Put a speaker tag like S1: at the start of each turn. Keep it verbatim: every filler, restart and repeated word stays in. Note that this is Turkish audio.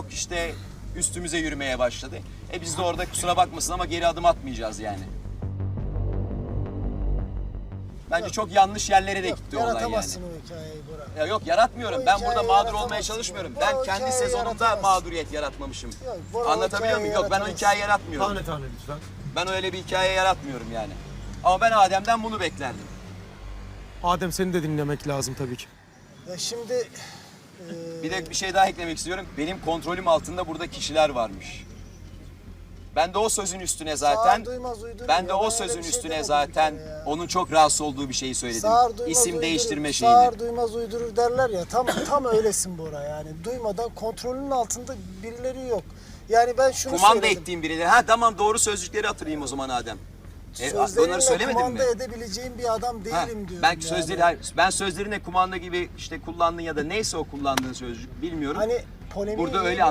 S1: Yok işte üstümüze yürümeye başladı. E biz de orada kusura bakmasın ama geri adım atmayacağız yani. Bence
S2: Yok.
S1: çok yanlış yerlere de
S2: Yok,
S1: gitti olay yani.
S2: yaratamazsın o hikayeyi Burak.
S1: Ya yok yaratmıyorum.
S2: O
S1: Ben
S2: hikayeyi
S1: burada mağdur olmaya
S2: yaratamazsın.
S1: çalışmıyorum.
S2: Bu
S1: Ben
S2: o
S1: kendi
S2: hikayeyi
S1: sezonumda
S2: yaratamazsın.
S1: mağduriyet yaratmamışım.
S2: Yok, bu o
S1: Anlatabiliyor muyum?
S2: hikayeyi
S1: Yok ben o
S2: yaratamazsın.
S1: hikaye yaratmıyorum.
S3: Tane tane lütfen.
S1: Ben öyle bir hikaye yaratmıyorum yani. Ama ben Adem'den bunu beklerdim.
S3: Adem seni de dinlemek lazım tabii ki.
S2: Ya şimdi... e,
S1: Bir de bir şey daha eklemek istiyorum. Benim kontrolüm altında burada kişiler varmış. Ben de o sözün üstüne zaten
S2: Sağır duymaz uyduruyor.
S1: ben de
S2: Ya,
S1: o
S2: ben
S1: sözün
S2: öyle bir şey
S1: üstüne
S2: demedim
S1: zaten
S2: bir kere ya.
S1: onun çok rahatsız olduğu bir şeyi söyledim.
S2: Sağır duymaz
S1: İsim
S2: uydurur,
S1: değiştirme şeyini.
S2: Sağır duymaz uydurur derler ya. Tam tam öylesin Bora yani. Duymadan kontrolünün altında birileri yok. Yani ben şunu
S1: Kumanda
S2: söyledim.
S1: ettiğim birileri. Ha tamam doğru sözcükleri hatırlayayım o zaman Adem. E,
S2: Sözlerinle
S1: onları söylemedim mi?
S2: kumanda edebileceğim bir adam
S1: Ha,
S2: değilim diyorum.
S1: ben
S2: yani.
S1: sözleri hayır, ben sözlerine kumanda gibi işte kullandın ya da neyse o kullandığın sözcük bilmiyorum.
S2: Hani polemiğe
S1: Burada öyle
S2: girmeyelim